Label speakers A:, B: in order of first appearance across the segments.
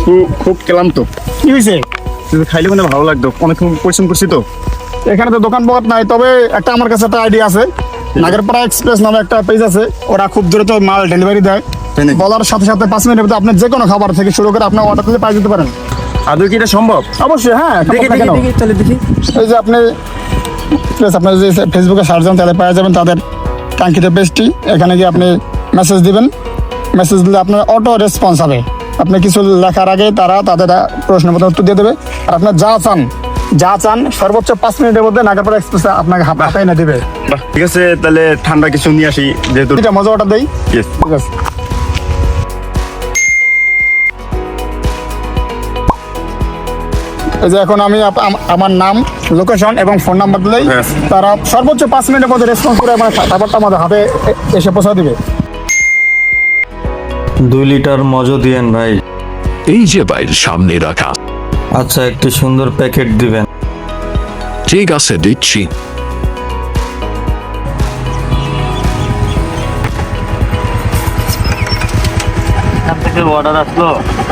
A: খুব ক্লান্ত।
B: কি হয়েছে?
A: খাইলে মানে ভালো লাগতো, অনেক পরিশ্রম করছি তো।
B: এখানে তো দোকান পাট নাই, তবে একটা আমার কাছে একটা আইডিয়া আছে। নাগেরপাড়া এক্সপ্রেস নামে একটা পেজ আছে, ওরা খুব দ্রুত মাল ডেলিভারি দেয়।
A: তাই নাকি?
B: বলার সাথে সাথে 5 মিনিটের মধ্যে আপনি যে কোনো খাবার থেকে শুরু করে আপনার অর্ডার দিতে পাই যেতে পারেন।
A: আদৌ কি এটা সম্ভব?
B: অবশ্যই, হ্যাঁ।
A: দেখি
B: কেন?
A: তাহলে দেখি।
B: এই যে আপনি আপনার যদি ফেসবুকে সার্চ দেন তাহলে পাওয়া যাবেন তাদের কাঙ্ক্ষিত পেজটি। এখানে গিয়ে আপনি মেসেজ দিবেন। মেসেজ দিলে আপনার অটো রেসপন্স হবে। আপনি কিছু লেখার আগে তারা তাদের প্রশ্নের মতো উত্তর দিয়ে দেবে। আর আপনার যা চান সর্বোচ্চ 5 মিনিটের মধ্যে নাগেরপাড়া এক্সপ্রেস আপনাকে হাতে এনে দেবে।
A: বাহ, ঠিক আছে, তাহলে ঠান্ডা কিছু নিয়ে আসি যেহেতু।
B: এটা মজা অর্ডার দেই।
A: Yes.
B: ঠিক আছে। এই যে এখন আমি আমার নাম, লোকেশন এবং ফোন নাম্বার দিলেই
A: Yes.
B: তারা সর্বোচ্চ 5 মিনিটের মধ্যে রেসপন্স করে আমার খাবারটা আমাদের হাতে এসে পৌঁছা দিবে।
C: 2 লিটার মজো দিয়েন ভাই।
D: এই যে ভাই সামনে রাখা।
C: আচ্ছা, একটু সুন্দর প্যাকেট দিবেন।
D: ঠিক আছে, দিচ্ছি।
C: এখান থেকে অর্ডার আসলো।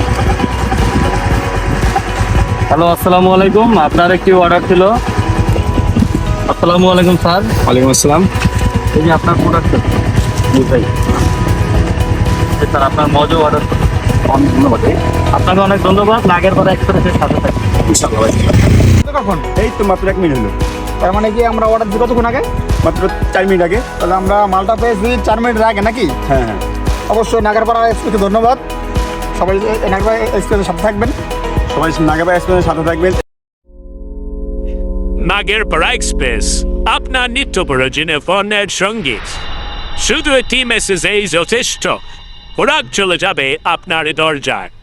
C: হ্যালো, আসসালামু আলাইকুম। আপনার একটি অর্ডার ছিল। আসসালামু আলাইকুম স্যার।
A: ওয়ালাইকুম আসসালাম।
C: এই যে আপনার প্রোডাক্ট। জি ভাই। স্যার, আপনার মজো অর্ডার।
A: অনেক ধন্যবাদ।
C: আপনাকে অনেক ধন্যবাদ। নাগেরপাড়া এক্সপ্রেসের সাথে থাকুন।
A: ইনশাআল্লাহ ভাই।
B: কখন?
A: এই তো মাত্র 1 মিনিট হলো।
B: তার মানে কি আমরা অর্ডার দিই কতক্ষণ আগে?
A: মাত্র 4 মিনিট আগে।
B: তাহলে আমরা মালটা পেয়েছি 4 মিনিটের আগে নাকি?
A: হ্যাঁ হ্যাঁ,
B: অবশ্যই নাগেরপাড়া এক্সপ্রেসকে ধন্যবাদ। সবাই নাগেরপাড়া এক্সপ্রেসের সাথে থাকবেন।
A: সবাই নাগেরপাড়া এক্সপ্রেসের সাথে থাকবেন।
E: নাগেরপাড়া এক্সপ্রেস আপনার নিত্য প্রয়োজনীয় পণ্যের সঙ্গীত। শুধু একটি মেসেজেই যথেষ্ট। প্রোডাক্ট চলে যাবে আপনার দরজায়।